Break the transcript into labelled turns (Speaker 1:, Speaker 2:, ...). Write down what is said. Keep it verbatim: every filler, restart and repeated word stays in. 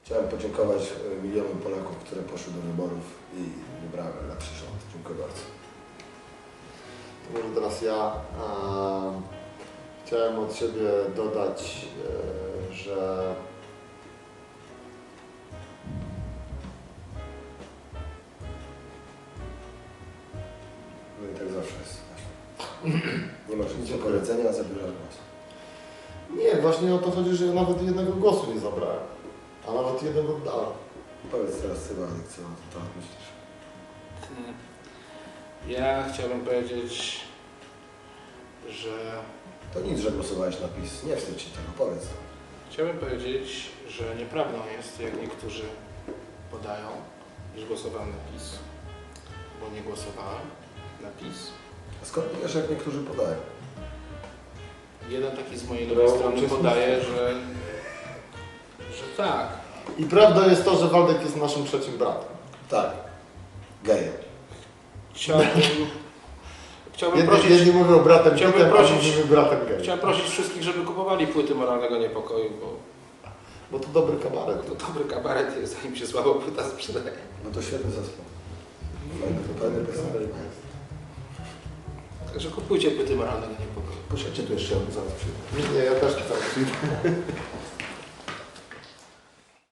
Speaker 1: Chciałem podziękować milionom Polaków, które poszły do wyborów i wybrały lepszy rząd. Dziękuję bardzo.
Speaker 2: To może teraz ja e, chciałem od siebie dodać, e, że
Speaker 1: No i tak zawsze jest. Nie masz nic do powiedzenia, zabierasz głos.
Speaker 2: nie, właśnie o to chodzi, że ja nawet jednego głosu nie zabrałem, a nawet jeden oddałem.
Speaker 1: Powiedz teraz Ty, Władek, co na ten temat myślisz?
Speaker 3: Ja chciałbym powiedzieć, że
Speaker 1: To nic, że głosowałeś na PiS. Nie wstydź się tego, powiedz to.
Speaker 3: chciałbym powiedzieć, że nieprawdą jest, jak niektórzy podają, iż głosowałem na PiS, bo nie głosowałem na PiS.
Speaker 1: A skąd wiesz, jak niektórzy podają?
Speaker 3: Jeden taki z mojej
Speaker 2: No,
Speaker 3: lewej strony
Speaker 2: uczestnicy.
Speaker 3: podaje, że, że tak.
Speaker 2: I prawda jest to, że Waldek jest naszym trzecim bratem.
Speaker 1: Tak. Gejem.
Speaker 3: Chciałbym, chciałbym
Speaker 2: Jedni,
Speaker 3: prosić,
Speaker 2: jedni mówią bratem
Speaker 3: chciałbym
Speaker 2: Pitem, a
Speaker 3: prosić-
Speaker 2: mówimy bratem gejem.
Speaker 3: chciałem prosić wszystkich, żeby kupowali płyty Moralnego Niepokoju, bo
Speaker 2: Bo to dobry kabaret.
Speaker 3: to dobry kabaret jest, zanim się słabo płyta sprzedaje.
Speaker 1: No to świetny zespół. Fajny, fajny piosenek.
Speaker 3: Także kupujcie płyty Moralnego Niepokoju.
Speaker 1: Poczekajcie, tu jeszcze załatwię.
Speaker 2: Nie, ja też chcę.